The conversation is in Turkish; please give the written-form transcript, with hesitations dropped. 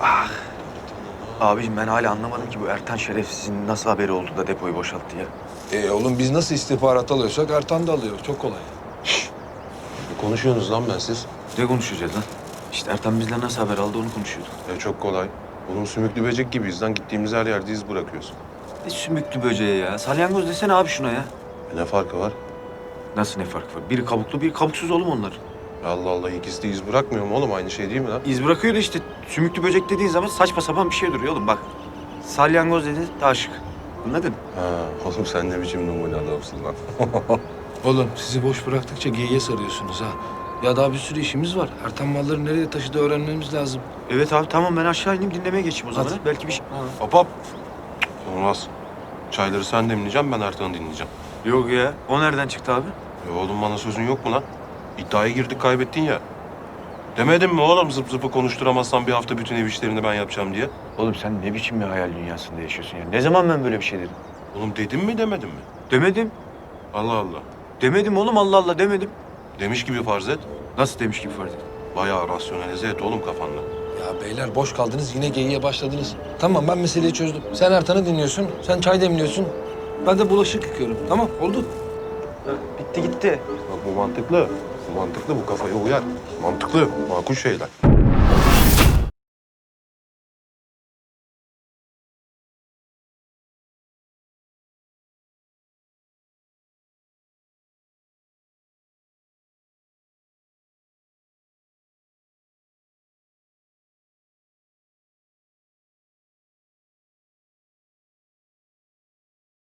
Abiciğim ben hala anlamadım ki bu Ertan şerefsizin nasıl haberi oldu da depoyu boşalttı ya. Oğlum biz nasıl istihbarat alıyorsak Ertan da alıyor. Çok kolay. Ne konuşuyorsunuz lan ben siz? Ne konuşacağız lan? İşte Ertan bizden nasıl haber aldı onu konuşuyorduk. Çok kolay. Oğlum sümüklü böcek gibiyiz lan. Gittiğimiz her yerde iz bırakıyoruz. Ne sümüklü böceği ya. Salyangoz desene abi şuna ya. Ne farkı var? Nasıl ne fark var? Biri kabuklu, biri kabuksuz oğlum onlar. Allah Allah, ikisi de iz bırakmıyor mu oğlum? Aynı şey değil mi lan? İz bırakıyor da işte sümüklü böcek dediğin zaman saçma sapan bir şey duruyor oğlum bak. Salyangoz dedi daha şık. Anladın? Ha, oğlum sen ne biçim numune adamsın lan? Oğlum sizi boş bıraktıkça geyiğe sarıyorsunuz ha. Ya daha bir sürü işimiz var. Ertan malları nereye taşıdığı öğrenmemiz lazım. Evet abi tamam ben aşağı ineyim dinlemeye geçeyim o zaman. Hadi. ha. Belki bir şey... Hop hop. Olmaz. Çayları sen demleyeceğim, ben Ertan'ı dinleyeceğim. Yok ya. O nereden çıktı abi? Oğlum bana sözün yok mu lan? İddiaya girdik, kaybettin ya. Demedim mi oğlum zıp zıpı konuşturamazsan bir hafta bütün ev işlerini ben yapacağım diye? Oğlum sen ne biçim bir hayal dünyasında yaşıyorsun ya? Ne zaman ben böyle bir şey dedim? Oğlum dedim mi demedim mi? Demedim. Allah Allah. Demedim oğlum Allah Allah demedim. Demiş gibi farz et. Nasıl demiş gibi fark et. Bayağı rasyonalize et oğlum kafanda. Ya beyler boş kaldınız yine geyiğe başladınız. Tamam ben meseleyi çözdüm. Sen Ertan'ı dinliyorsun. Sen çay demliyorsun. Ben de bulaşık yıkıyorum. Tamam oldu. Bitti gitti. Bak bu mantıklı. Bu mantıklı, bu kafaya uyar. Mantıklı, makul şeyler.